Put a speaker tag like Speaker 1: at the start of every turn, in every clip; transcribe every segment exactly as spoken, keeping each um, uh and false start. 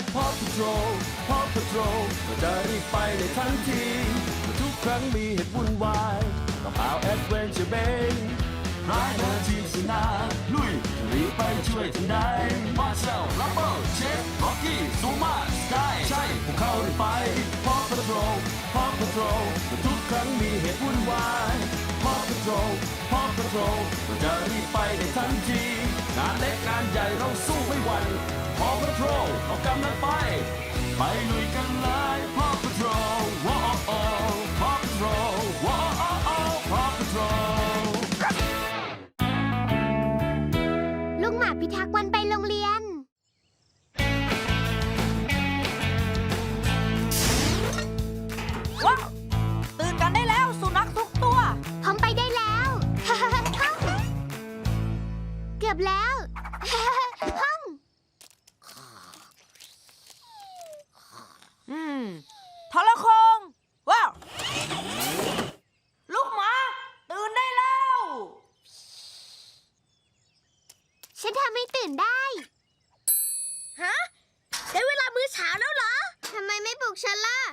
Speaker 1: Paw Patrol Paw Patrol ก็จะรีบไปในทันทีทุกครั้งมีเหตุวุ่นวายกับเอาแอดเวนเจอร์เบนร้ายเดอร์ทีมสนาลุยรีบไปช่วยทันใดมาเซลลับเบิลเชฟร็อกกี้ซูมาสกายใช่พวกเขารีบไป Paw Patrol Paw Patrol ทุกครั้งมีเหตุวุ่นวาย Paw Patrol Paw Patrol ก็จะรีบไปในทันทีงานเล็กงานใหญ่เราสู้ไม่หวั่น Paw Patrol เรากำลังไปไปลุยกันเลย Paw Patrol ว้าว Paw Patrol ว้าว Paw Patrol
Speaker 2: ลุงหมาพิทักษ์วันไปโรงเรียน
Speaker 3: ว้าวตื่นกันได้แล้วสุนัขทุกตัว
Speaker 2: ผมไปได้แล้ว เกือบแล้ว ห้อง
Speaker 3: อืมทรโคงว้าว ลูกหมาตื่นได้แล้ว
Speaker 2: ฉันทำให้ตื่นได้ ฮะ ได้เวลามื้อเช้าแล้วเหรอ ทำไมไม่ปลุกฉันล่ะ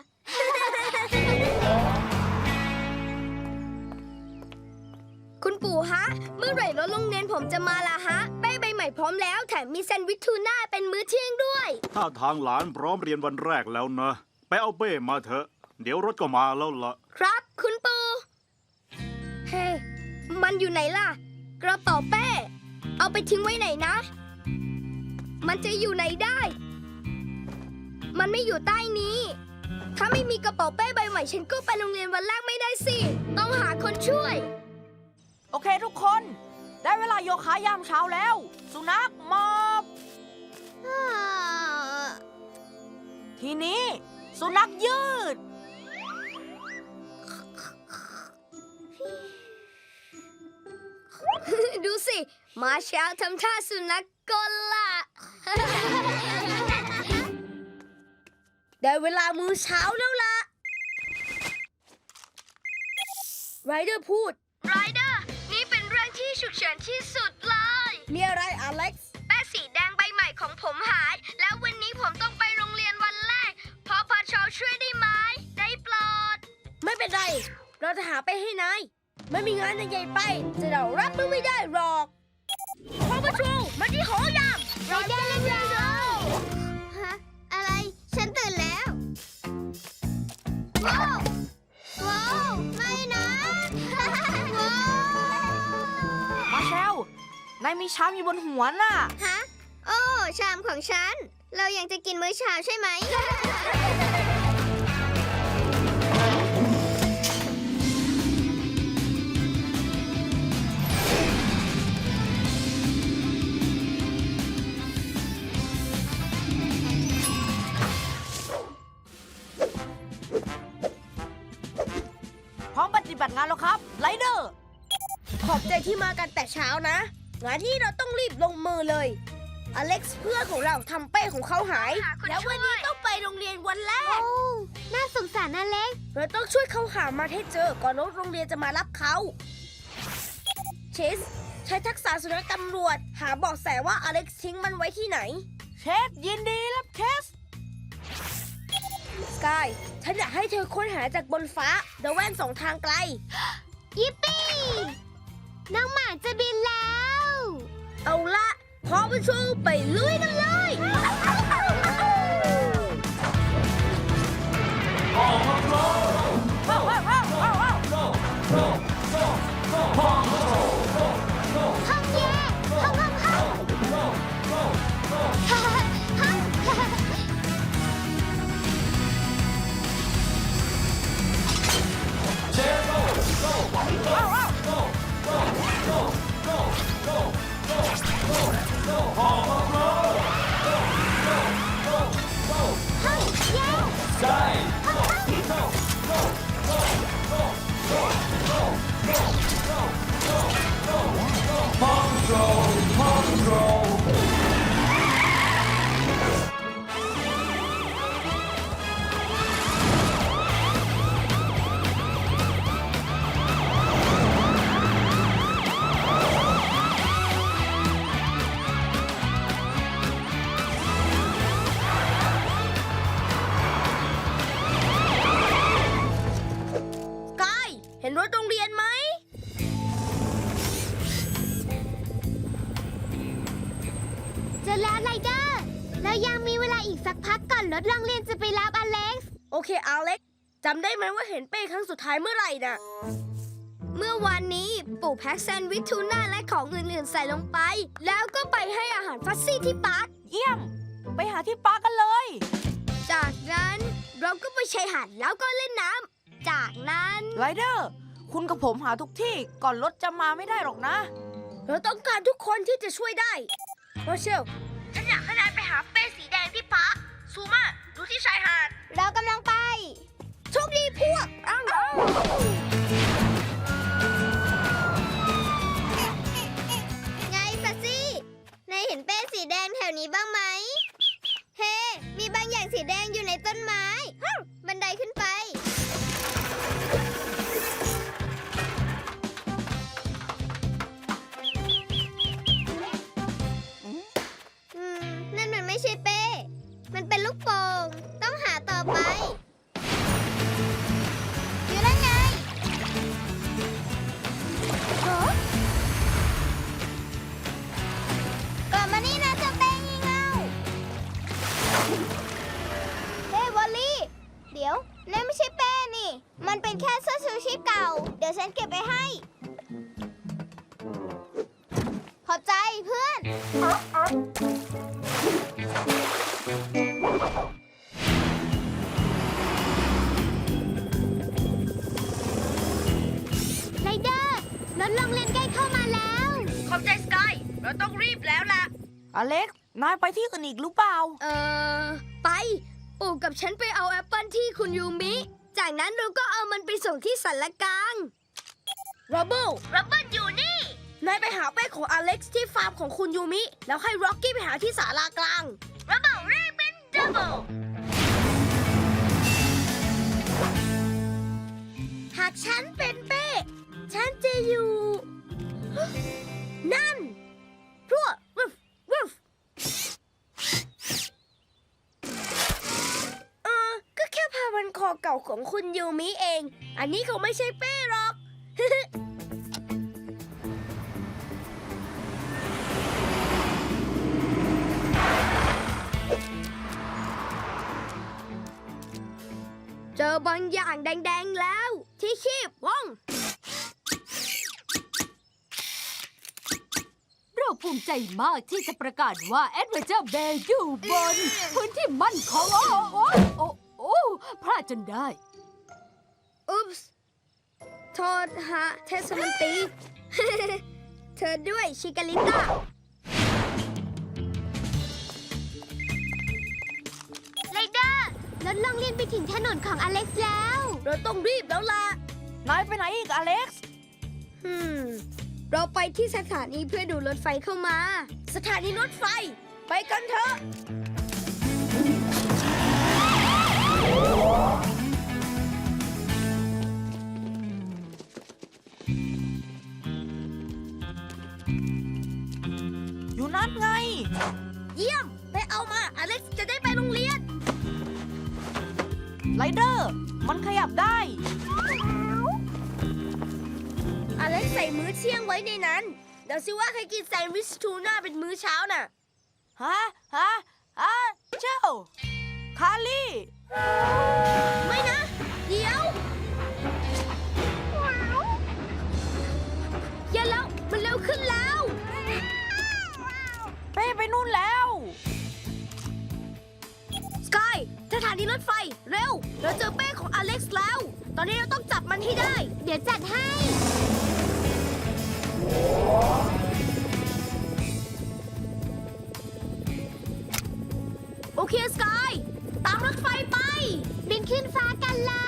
Speaker 4: คุณปู่ฮะ เมื่อไหร่รถโรงเรียนผมจะมาล่ะฮะเป้ใบใหม่พร้อมแล้วแถมมีแซนด์วิชทูน่าเป็นมื้อเที่ยงด้วย
Speaker 5: ถ้าทางหลานพร้อมเรียนวันแรกแล้วนะ ไปเอาเป้มาเถอะ เดี๋ยวรถก็มาแล้วล่ะ
Speaker 4: ครับคุณปู่เฮ้มันอยู่ไหนล่ะ กระเป๋าเป้ เอาไปทิ้งไว้ไหนนะ มันจะอยู่ไหนได้ มันไม่อยู่ใต้นี้ ถ้าไม่มีกระเป๋าเป้ใบใหม่ฉันก็ไปโรงเรียนวันแรกไม่ได้สิ ต้องหาคนช่วย
Speaker 3: โอเคทุกคน ได้เวลาโยคะยามเช้าแล้ว สุนัขมอบทีนี้ สุนัขยืด
Speaker 4: ดูสิ มาเช้าทำท่าสุนัขกลล่ะ ได้เวลามื้อเช้าแล้วล่ะ ไรเดอร์พูด ไรเดอร์ นี่เป็นเรื่องที่ฉุกเฉินที่สุดเลย มีอะไรอเล็กซ์ แป้สีแดงใบใหม่ของผมหาย แล้ววันนี้ผมต้องไปโรงเรียนวันแรก พอพาชอช่วยได้ไหม ได้โปรด ไม่เป็นไร เราจะหาไปให้นาย ไม่มีงานใหญ่ไป จะเรารับมือไม่ได้หรอกพอพาชอมาที่หอยาม
Speaker 2: ไรเดอร์เร็วเร็วฮะ อะไร ฉันตื่นแล้ว ว้าว ว้าว ไม่นะ ว้าว
Speaker 3: มาเชล นายมีชามอยู่บนหัวน่ะ
Speaker 2: ฮะ โอ้ ชามของฉัน เรายังจะกินมื้อเช้าใช่ไหม
Speaker 3: พร้อมปฏิบัติงานแล้วครับไรเดอร์
Speaker 4: ขอบใจที่มากันแต่เช้านะ งานที่เราต้องรีบลงมือเลย อเล็กซ์เพื่อนของเราทำเป้ของเขาหาย แล้ววันนี้ต้องไปโรงเรียนวันแรก
Speaker 2: โอ้ น่าสงสารนะเล็ก
Speaker 4: เราต้องช่วยเขาหามาให้เจอก่อนรถโรงเรียนจะมารับเขาเชสใช้ทักษะสุนัขตำรวจ หาเบาะแสว่าอเล็กซ์ทิ้งมันไว้ที่ไหน
Speaker 3: เชฟยินดีรับเคส
Speaker 4: สกาย ฉันอยากให้เธอค้นหาจากบนฟ้าเดอะแว่นสองทางไกล
Speaker 2: ยิปปี้ น้องหมาจะบินแล้ว
Speaker 4: เอาละพอไปชูไปลุยกันเลย
Speaker 3: ว้าวว้าวว้าวว้าวว้าว
Speaker 2: ห้องเย่ห้องห้องห้องห้องสักพักก่อนรถโรงเรียนจะไปรับอเล็กซ์
Speaker 4: โอเคอเล็กจำได้ไหมว่าเห็นเป้ครั้งสุดท้ายเมื่อไหร่น่ะ เมื่อวานนี้ปู่แพ็คแซนด์วิชทูน่าและของอื่นๆใส่ลงไป แล้วก็ไปให้อาหารฟัซซี่ที่ปาร์ค
Speaker 3: เยี่ยม ไปหาที่ปาร์คกันเลย
Speaker 4: จากนั้นเราก็ไปชายหาดแล้วก็เล่นน้ำจากนั้น
Speaker 3: ไรเดอร์ คุณกับผมหาทุกที่ก่อนรถจะมาไม่ได้หรอกนะ
Speaker 4: เราต้องการทุกคนที่จะช่วยได้โรเชลฉันอยากให้นายไปหาเป้สีแดงที่ปาร์คซูมาดูที่ชายหาด
Speaker 2: เรากำลังไป
Speaker 4: โชคดีพวกอ้าว
Speaker 2: ไงฟัซซี่นายเห็นเป้สีแดงแถวนี้บ้างไหม เฮ้ มีบางอย่างสีแดงอยู่ในต้นไม้ฮึ่มบันไดขึ้นไป อืม นั่นมันไม่ใช่เป้ มันเป็นลูกโป่ง ต้องหาต่อไป อยู่แล้วไงโหกลับมานี่นะเจ้าเป้งี่เง่า เฮ้ยวอลลี่ เดี๋ยวนั่นไม่ใช่เป้นี่ มันเป็นแค่เสื้อชูชีพเก่า เดี๋ยวฉันเก็บไปให้ ขอบใจเพื่อน ไรเดอร์รถโรงเรียนใกล้เข้ามาแล้ว
Speaker 4: ขอบใจสกายเราต้องรีบแล้วล่ะ
Speaker 3: อเล็ก นายไปที่อื่นอีกหรือเปล่า
Speaker 4: เอ่อ ไป ปู่กับฉันไปเอาแอปเปิลที่คุณยูมิ จากนั้นเราก็เอามันไปส่งที่สันละกลางร็อบเบิลร็อบเบิลอยู่นี่ นายไปหาเป้ของอเล็กซ์ที่ฟาร์มของคุณยูมิ แล้วให้ร็อกกี้ไปหาที่ศาลากลางร็อบเบิลรีบเป็นดับเบิลหากฉันเป็นเป้ ฉันจะอยู่ นั่นพวกวุฟวุฟเออ ก็แค่ผ้าพันคอเก่าของคุณยูมิเอง อันนี้คงไม่ใช่เป้หรอก เจอบางอย่างแดงๆแล้ว ที่คีบว่อง
Speaker 6: เราภูมิใจมากที่จะประกาศว่าแอดเวนเจอร์เบย์อยู่บน พื้นที่มั่นคงโอ้โอ้โอ้โอ้พลาดจนได้
Speaker 4: อุ๊ปส์โทษฮะ เทสมันตี เธอด้วยชิกาลิต้า
Speaker 2: ไรเดอร์รถโรงเรียนไปถึงถนนของอเล็กซ์แล้ว
Speaker 4: เราต้องรีบแล้วล่ะ
Speaker 3: นายไปไหนอีกอเล็กซ์
Speaker 4: ฮึมเราไปที่สถานีเพื่อดูรถไฟเข้ามา สถานีรถไฟ ไปกันเถอะ
Speaker 3: อยู่นั่นไง
Speaker 4: เยี่ยม ไปเอามา อเล็กซ์จะได้ไปโรงเรียน
Speaker 3: ไรเดอร์ มันขยับได้
Speaker 4: อเล็กซ์ใส่มื้อเที่ยงไว้ในนั้น เดี๋ยวสิว่าใครกินแซนด์วิชทูน่าเป็นมื้อเช้าน่ะ
Speaker 3: ฮะ ฮะ ฮะ เจ้า คาลี่
Speaker 4: ไม่นะ เดี๋ยว อย่าแล้ว มันเร็วขึ้นแล้ว
Speaker 3: เป้ไปนู่นแล้ว
Speaker 4: สกายสถานีรถไฟ เร็ว เราเจอเป้ของอเล็กซ์แล้ว ตอนนี้เราต้องจับมันให้ได้
Speaker 2: เดี๋ยวจัดให้
Speaker 4: โอเคสกาย ตามรถไฟไป
Speaker 2: บินขึ้นฟ้ากันเลย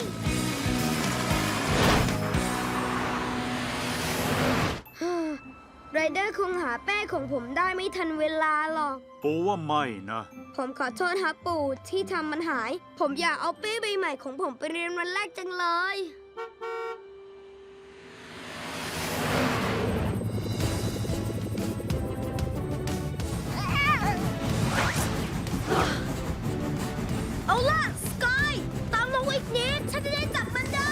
Speaker 4: ไรเดอร์คงหาแป้ของผมได้ไม่ทันเวลาหรอก
Speaker 5: ปูว่าไม่นะ
Speaker 4: ผมขอโทษครับปู่ที่ทำมันหาย ผมอยากเอาเป้ใบใหม่ของผมไปเรียนวันแรกจังเลย เอาล่ะ สกาย ตามมาอีกนิด ฉันจะได้จับมันได้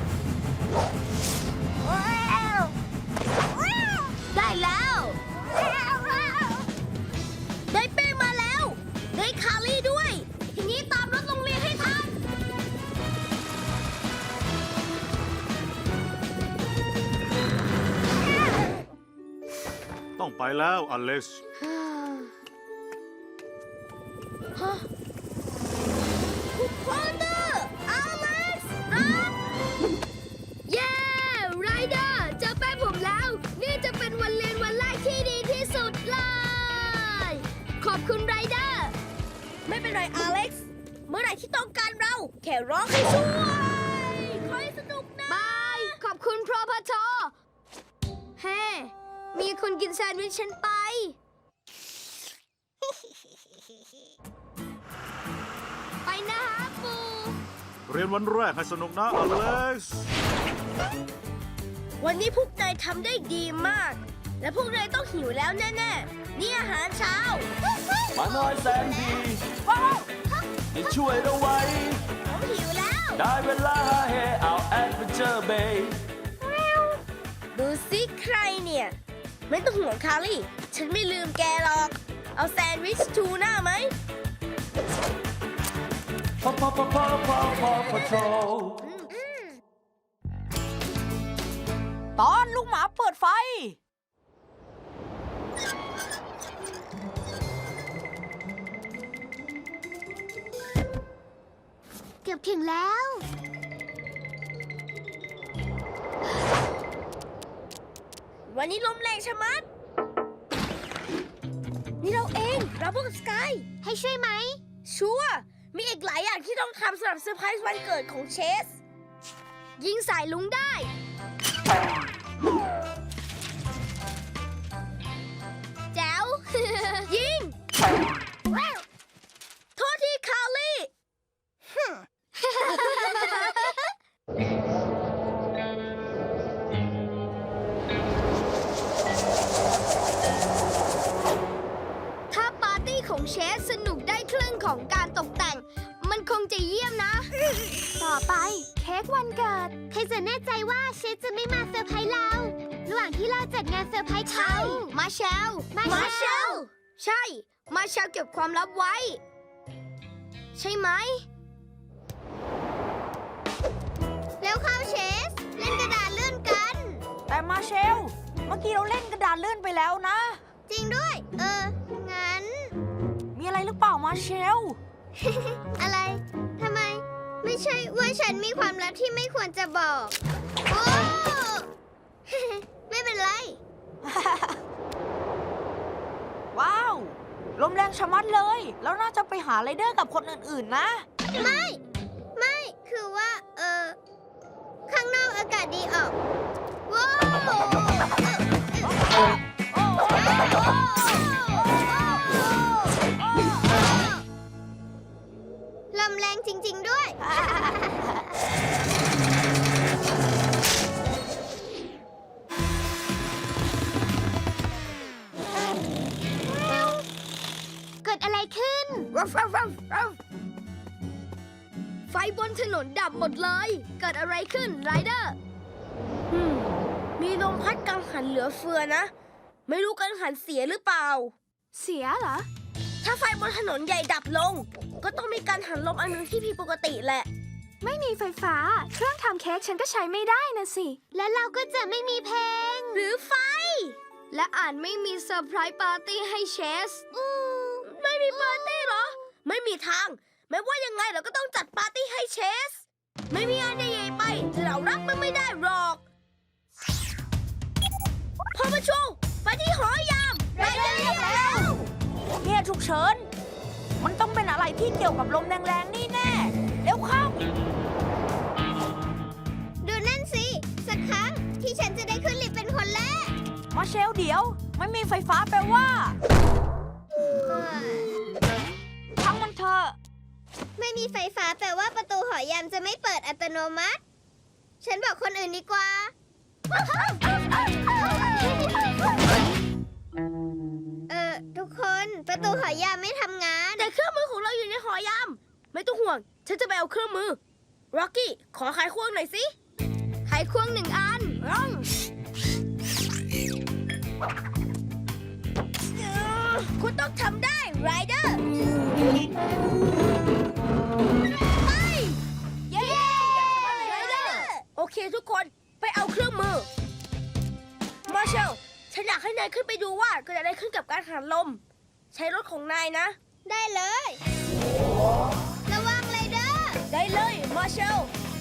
Speaker 4: ได้แล้ว
Speaker 5: ต้องไปแล้วอเล็กซ์
Speaker 4: ฮะคุณพอนเดอร์อเล็กซ์รับเย้ไรเดอร์เจอแป้งผมแล้ว นี่จะเป็นวันเรียนวันแรกที่ดีที่สุดเลย ขอบคุณไรเดอร์ไม่เป็นไรอเล็กซ์เมื่อไหร่ที่ต้องการเรา แค่ร้องให้ช่วยคอยสนุกนะบายขอบคุณพรพชเฮ้ มีคนกินแซนด์วิชฉันไป ไปนะฮะปู
Speaker 5: เรียนวันแรกให้สนุกนะอเล็กซ์
Speaker 4: วันนี้พวกนายทำได้ดีมาก และพวกนายต้องหิวแล้วแน่ๆ นี่อาหารเช้า
Speaker 1: มาน้อยแสนดีที่ช่วยเราไว้
Speaker 4: ผมหิวแล้ว
Speaker 1: ได้เวลาหาเฮเอาแอดเวนเจอร์เบย์
Speaker 4: ดูสิใครเนี่ย ไม่ต้องห่วงคารี่ ฉันไม่ลืมแกหรอก เอาแซนด์วิชทูน่าไหม
Speaker 1: พอพอพอพอพอพอพอโทร
Speaker 3: ตอนลูกหมาเปิดไฟ
Speaker 2: เกือบถึงแล้ว
Speaker 4: วันนี้ลมแรงชะมัด นี่เราเองเราพวกสกาย
Speaker 2: ให้ช่วยไหม
Speaker 4: ชัวร์มีอีกหลายอย่างที่ต้องทำสำหรับเซอร์ไพรส์วันเกิดของเชส ยิงสายลุงได้ แจ๋ว ยิง โทษทีคารี่ ถ้าปาร์ตี้ของเชสสนุกได้ครึ่งของการตกแต่ง มันคงจะเยี่ยมนะ
Speaker 2: ต่อไปเค้กวันเกิด ใครจะแน่ใจว่าเชฟจะไม่มาเซอร์ไพรส์เรา ระหว่างที่เราจัดงานเซอร์ไพรส์เขา
Speaker 4: มาเชล
Speaker 2: มาเชล
Speaker 4: ใช่ มาเชลเก็บความลับไว้ ใช่ไหม
Speaker 2: แล้วเข้าเชส เล่นกระดาษเลื่อนกัน
Speaker 3: แต่มาเชล เมื่อกี้เราเล่นกระดานเลื่อนไปแล้วนะ
Speaker 2: จริงด้วย เออ งั้น
Speaker 3: มีอะไรหรือเปล่ามาเชล
Speaker 2: อะไร ทำไม ไม่ใช่ว่าฉันมีความลับที่ไม่ควรจะบอกโอ้ ไม่เป็นไร
Speaker 3: ว้าว ลมแรงชะมัดเลย แล้วน่าจะไปหาไรเดอร์กับคนอื่นๆนะ
Speaker 2: ไม่ ไม่ คือว่า เออ ข้างนอกอากาศดีออกว้าวลมแรงจริง ๆ ด้วย เกิดอะไรขึ้น
Speaker 4: ไฟบนถนนดับหมดเลย เกิดอะไรขึ้นไรเดอร์มีลมพัดกังหันเหลือเฟือนะ ไม่รู้กังหันเสียหรือเปล่า
Speaker 2: เสียเหรอ
Speaker 4: ถ้าไฟบนถนนใหญ่ดับลง ก็ต้องมีการหันลมอันหนึงที่ผิดปกติแหละ
Speaker 2: ไม่มีไฟฟ้า เครื่องทำเค้กฉันก็ใช้ไม่ได้นะสิ แล้วเราก็จะไม่มีเพลง
Speaker 4: หรือไฟ และอาจไม่มีเซอร์ไพรส์ปาร์ตี้ให้เชสไม่มีปาร์ตี้เหรอ ไม่มีทาง ไม่ว่ายังไงเราก็ต้องจัดปาร์ตี้ให้เชส ไม่มีอันใหญ่ๆไป เรารับมันไม่ได้หรอกพอมาชูไปที่หอยามไปเร็วแล้ว
Speaker 3: เนี่ยฉุกเฉิน มันต้องเป็นอะไรที่เกี่ยวกับลมแรงๆนี่แน่ เร็วเข้า
Speaker 2: ดูนั่นสิ สักครั้งที่ฉันจะได้ขึ้นลิฟต์เป็นคนแรก
Speaker 3: มาเชลเดี๋ยว ไม่มีไฟฟ้าแปลว่าทั้งมันเถอะ
Speaker 2: ไม่มีไฟฟ้าแปลว่าประตูหอยามจะไม่เปิดอัตโนมัติ ฉันบอกคนอื่นดีกว่า เออทุกคนประตูหอยามไม่ทำงาน
Speaker 4: แต่เครื่องมือของเราอยู่ในหอยาม ไม่ต้องห่วง ฉันจะไปเอาเครื่องมือ ร็อกกี้ ขอไขควงหน่อยสิ ไขควงหนึ่งอันร่องคุณต้องทำได้ไรเดอร์ไป เย้ไรเดอร์โอเคทุกคน ไปเอาเครื่องมือ มาเชล ฉันอยากให้ให้นายขึ้นไปดูว่าเกิดอะไรขึ้นกับการหันลม ใช้รถของนายนะ
Speaker 2: ได้เลย ระวังเลยเด้อ
Speaker 4: ได้เลยมาเชล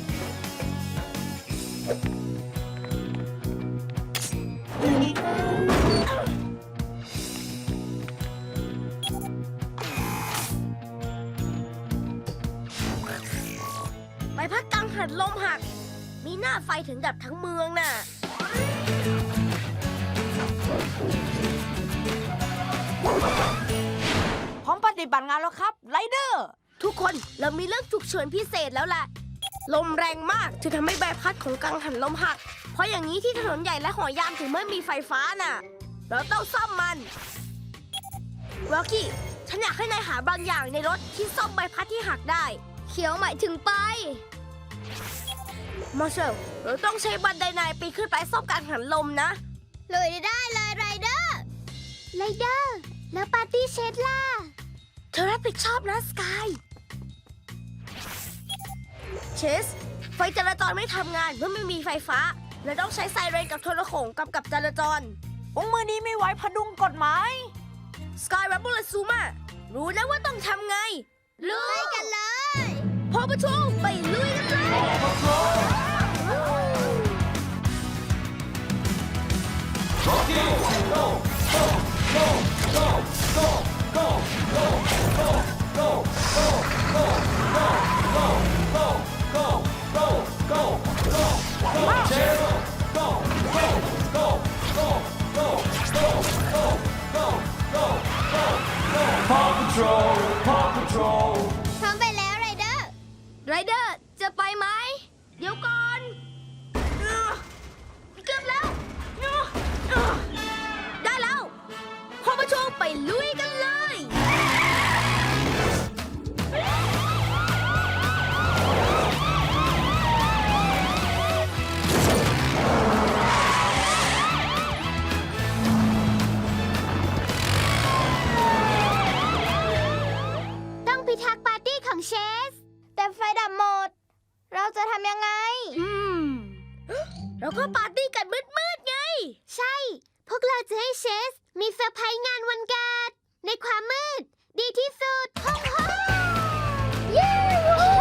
Speaker 4: ใบพัดกังหันลมหัก มีหน้าไฟถึงดับทั้งเมืองน่ะ
Speaker 3: พร้อมปฏิบัติงานแล้วครับไรเดอร์
Speaker 4: ทุกคนเรามีเรื่องฉุกเฉินพิเศษแล้วล่ะ ลมแรงมากจะทำให้ใบพัดของกังหันลมหัก เพราะอย่างนี้ที่ถนนใหญ่และหอยามถึงไม่มีไฟฟ้าน่ะ เราต้องซ่อมมันวอลกี้ฉันอยากให้นายหาบางอย่างในรถที่ซ่อมใบพัดที่หักได้
Speaker 2: เขียวหมายถึงไป
Speaker 4: มาเชลเราต้องใช้บันไดนายปีนขึ้นไปซ่อมกังหันลมนะ
Speaker 2: เลยได้เลยไรเดอร์ ไรเดอร์ แล้วปาร์ตี้เชดล่ะ
Speaker 4: เธอรับผิดชอบนะสกาย เชส ไฟจราจรไม่ทำงานเมื่อไม่มีไฟฟ้า และต้องใช้ไซเรนกับโทรโขงกำกับจราจร
Speaker 3: องค์มือนี้ไม่ไว้พดุงกฎหมาย
Speaker 4: สกายแรปเปอร์และซูมารู้แล้วว่าต้องทำไง
Speaker 2: ลุยกันเลย
Speaker 4: พอประชุมไปลุยกันเลย
Speaker 2: พร้อมไปแล้วไรเดอร์
Speaker 4: ไรเดอร์จะไปไหม เดี๋ยวก่อนเออเกือบแล้วเออเออได้แล้วพอประชุมไปลุยกันเลย
Speaker 2: ต้องพิทักษ์ปาร์ตี้ของเชส แต่ไฟดับหมด เราจะทำยังไง
Speaker 4: อืมเราก็ปาร์ตี้กันมืดๆไง
Speaker 2: ใช่ พวกเราจะให้เชส มีเซอร์ไพรส์งานวันเกิดในความมืด ดีที่สุดฮ่องฮ่องเย้วู้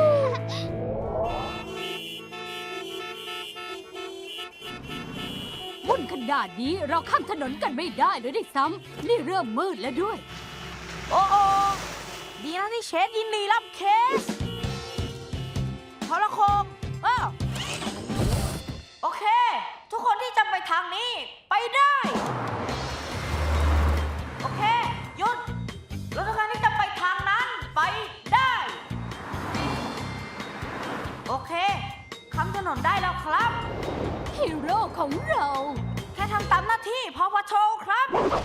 Speaker 6: วุ่นขนาดนี้เราข้ามถนนกันไม่ได้เลยด้วยซ้ำนี่เริ่มมืดแล้วด้วย
Speaker 3: โอ้โอดีนะที่เชฟยินดีรับเคสโทรโคงอ้าวโอเค ทุกคนที่จะไปทางนี้ไปได้ โอเค หยุดรถทุกคันที่จะไปทางนั้นไปได้ โอเคข้ามถนนได้แล้วครับ
Speaker 6: ฮีโร่ของเรา
Speaker 3: แค่ทำตามหน้าที่พอพัทโชครับ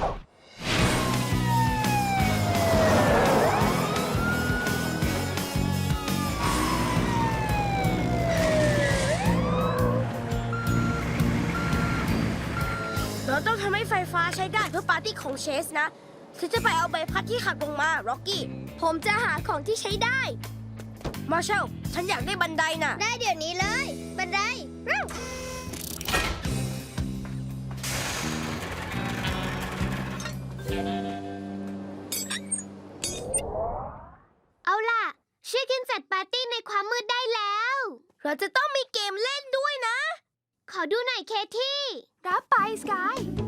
Speaker 4: เราต้องทำให้ไฟฟ้าใช้ได้เพื่อปาร์ตี้ของเชสนะฉันจะไปเอาใบพัดที่หักลงมา ร็อกกี้ ผมจะหาของที่ใช้ได้ มาเชล ฉันอยากได้บันไดน่ะ
Speaker 2: ได้เดี๋ยวนี้เลย บันไดเร็วเอาล่ะ ช่วยกันจัดปาร์ตี้ในความมืดได้แล้ว
Speaker 4: เราจะต้องมีเกมเล่นด้วยนะ
Speaker 2: ขอดูหน่อยเคที่
Speaker 4: รับไปสกาย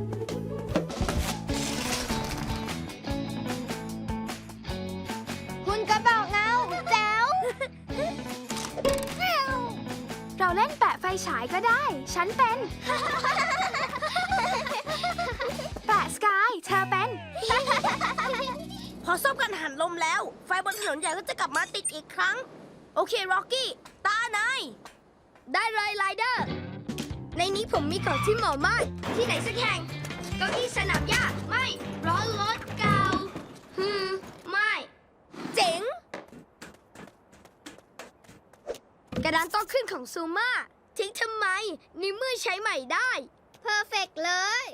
Speaker 2: คุณกระบอกเงาแจ๋ว
Speaker 4: เราเล่นแปะไฟฉายก็ได้ ฉันเป็น แปะสกาย เธอเป็น พอซ่อมกันหันลมแล้ว ไฟบนถนนใหญ่ก็จะกลับมาติดอีกครั้ง โอเค ร็อกกี้ ตานาย ได้เลยไรเดอร์ ในนี้ผมมีของที่เหมาะมาก ที่ไหนสักแห่ง เก้าอี้สนามหญ้าไม่ล้อรถเก่าฮึมไม่ เจ๋ง กระดานโต้ขึ้นของซูมาทิ้งทำไมในเมื่อใช้ใหม่ได้
Speaker 2: เพอร์เฟกเลย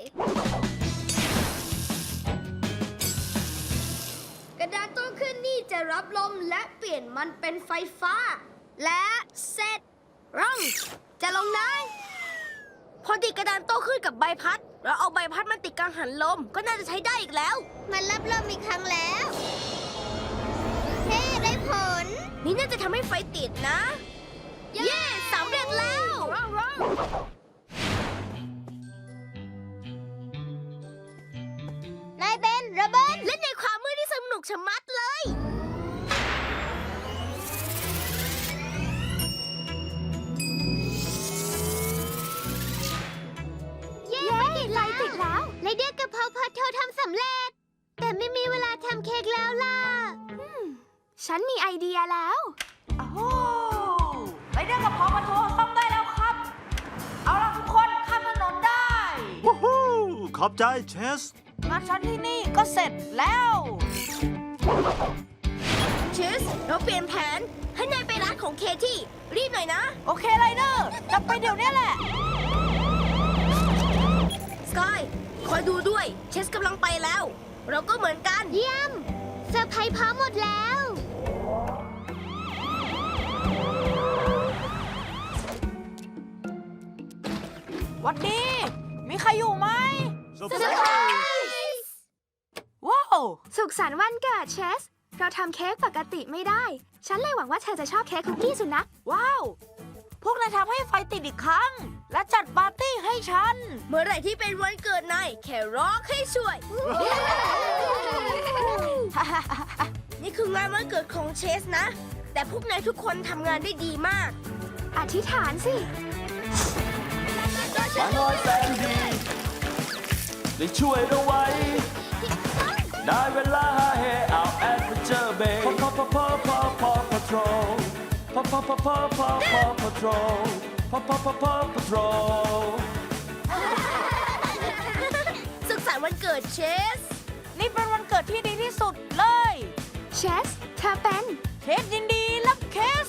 Speaker 4: กระดานโต้ขึ้นนี่จะรับลมและเปลี่ยนมันเป็นไฟฟ้า และเสร็จร่องจะลงได้พอติดกระดานโต้ขึ้นกับใบพัด เราเอาใบพัดมาติดกังหันลมก็น่าจะใช้ได้อีกแล้ว
Speaker 2: มันรับลมอีกครั้งแล้วเฮ้ได้ผล
Speaker 4: นี่น่าจะทำให้ไฟติดนะ เย้สำเร็จแล้ว
Speaker 2: นายเบนระเบิด
Speaker 4: เล่นในความมืดที่สนุกชะมัดเลย
Speaker 2: เย้ไฟติดแล้วไรเดียกับพอพอโททำสำเร็จ แต่ไม่มีเวลาทำเค้กแล้วล่ะ
Speaker 4: ฉันมีไอเดียแล้ว
Speaker 3: โอ้โหไปเรื่องกับพอมาโทรต้องได้แล้วครับ เอาล่ะทุกคนข้ามถนนได้
Speaker 5: วู้ฮู้ขอบใจเชส
Speaker 3: งานฉันที่นี่ก็เสร็จแล้ว
Speaker 4: ชิส เราเปลี่ยนแผน ให้นายไปร้านของเคที่ รีบหน่อยนะ
Speaker 3: โอเคไรเดอร์กลับไปเดี๋ยวนี้แหละ
Speaker 4: สกาย คอยดูด้วย เชสกำลังไปแล้ว เราก็เหมือนกัน
Speaker 2: เยี่ยมเซอร์ไพรส์พร้อมหมดแล้ว
Speaker 3: หวัดดี มีใครอยู่ไหม
Speaker 5: เซอร์
Speaker 2: เซอร์
Speaker 5: ไพ
Speaker 2: ไพ
Speaker 5: ร
Speaker 2: ร
Speaker 5: ส์
Speaker 2: ส์
Speaker 3: ว้าว
Speaker 4: สุขสันต์วันเกิดเชส เราทำเค้กปกติไม่ได้ ฉันเลยหวังว่าเธอจะชอบเค้กคุกกี้สุนัข
Speaker 3: ว้าว พวกนายทำให้ไฟติดอีกครั้ง และจัดปาร์ตี้ให้ฉัน
Speaker 4: เมื่อไหร่ที่เป็นวันเกิดนายแค่ร้องให้ช่วย นี่คืองานวันเกิดของเชสนะ แต่พวกนายทุกคนทำงานได้ดีมาก อธิษฐานสิ
Speaker 1: มาน้อยแสนดีได้ช่วยเราไว้ ได้เวลาหาเฮเอาแอดเวนเจอร์เบย์พอพอพอพอพอพอพอทรพอพอพอพอพอพอพอทรพอพอพอพอพอทร
Speaker 4: สุขสันต์วันเกิดเชส
Speaker 3: นี่เป็นวันเกิดที่ดีที่สุดเลย
Speaker 4: เชส เธอเป็น
Speaker 3: เค้กยินดีรับเค้ก